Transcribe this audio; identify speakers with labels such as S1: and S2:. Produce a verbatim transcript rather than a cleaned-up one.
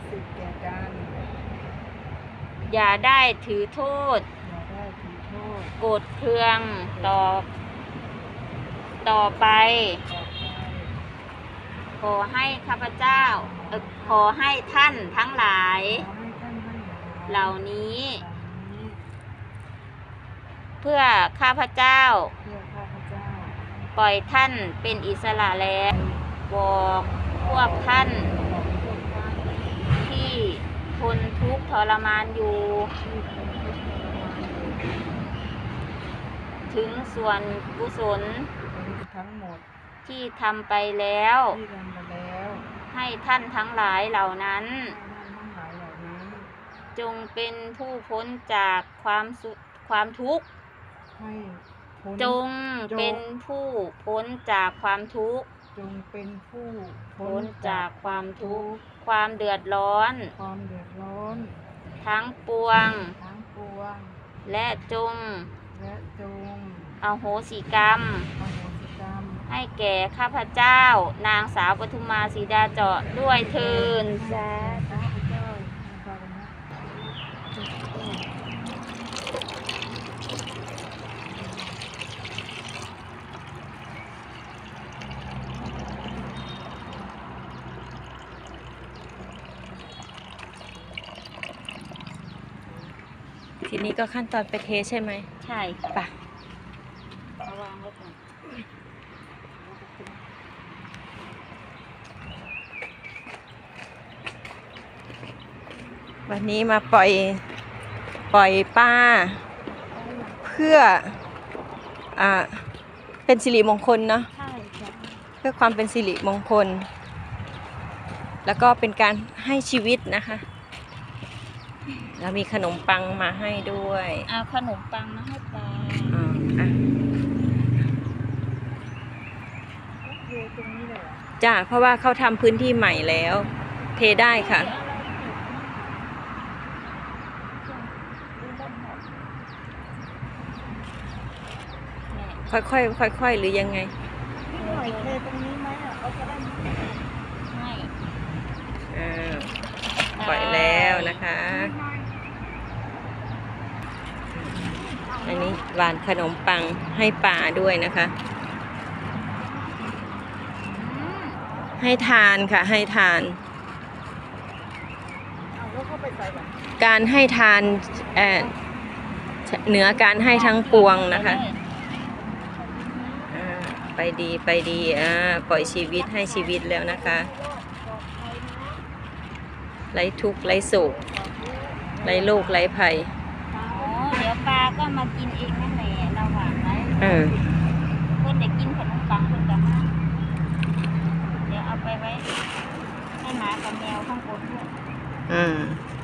S1: สิทธิ์แก่กัน
S2: อย่าได้ถือโทษ
S1: อย่าได้ถือโทษ
S2: โกรธเคืองต่อต่อไป
S1: ต่อไป
S2: ขอให้ข้าพเจ้าเอ่อขอให้ท่านทั้งหลาย
S1: ขอให้ท่านทั้งหลาย
S2: เหล่านี้
S1: เหล่านี้
S2: เพื่อข้าพเจ้า
S1: เพื่อข้าพเจ้า
S2: ปล่อยท่านเป็นอิสระแล้วบอกพวกท่าน
S1: บอกพวกท่าน
S2: ที่ทนทุกข์ทรมานอยู่
S1: ที่เป็นทุกข์ทรมานอยู่
S2: ถึงส่วนกุศล
S1: ทั้งหมด
S2: ที่ทำไปแล้ว
S1: ที่ทำไปแล้ว
S2: ให้ท่านทั้งหลายเหล่านั้น
S1: ให้ท่านทั้งหลายเหล่านั้น
S2: จงเป็นผู้พ้นจากความสุความทุกข์
S1: ให้พ้น
S2: จงเป็นผู้พ้นจากความทุกข์
S1: จงเป็นผู้
S2: พ้นจากความทุกข์ความเดือดร้อน
S1: ความเดือดร้อน
S2: ทั้งปวง
S1: ทั้งปวง
S2: และจง
S1: และจง
S2: อโหสิกรรม
S1: อโหสิกรรม
S2: ให้แก่ข้าพเจ้า นางสาวปทุมมาสีดาเจาะด้วยเทิน
S1: สาธุเจ้าสาธุนะ
S3: ทีนี้ก็ขั้นตอนไปเทใช่ไหม
S2: ใช่
S3: ป่ะ
S2: เอาวางไว้ก่อน
S3: วันนี้มาปล่อยปล่อยปลาเพื่ออ่าเป็นสิริมงคลเนาะ
S2: ใช่จ้ะ
S3: เพื่อความเป็นสิริมงคล แล้วก็เป็นการให้ชีวิตนะคะเรามีขนมปังมาให้ด้วย
S2: เอาขนมปังมาให้ปลา
S3: อ่าอ่ะ
S1: เทตรงนี้เลยเหรอ
S3: จ้าเพราะว่าเขาทำพื้นที่ใหม่แล้ว เทได้ค่ะ ค่อยๆค่อยๆหรือยังไง
S1: นิดหน่อยเทตรงนี้ไหมอ่ะเขาจะได้ไม่
S2: ให้
S3: อ่าปล่อยแล้วนะคะ อันนี้หวานขนมปังให้ป่าด้วยนะคะ ให้ทานค่ะให้ทาน
S1: เอาแล้วเข้าไปใส่แบบ
S3: การให้ทานเอ่อเหนือการให้ทั้งปวงนะคะอ่าไปดีไปดีอ่าปล่อยชีวิตให้ชีวิตแล้วนะคะไร้ทุกข์ไร้โศกไร้โรคไร้ภัย
S2: อ๋อเดี๋ยวปลาก็มากินเองนั่นแหละเราหวานไว้
S3: เออ
S2: เพื่อนได้กินขนมปังเพื่อนกันมาเดี๋ยวเอาไปไว้ให้หมากับแมวข้างบนด้วย
S3: อืม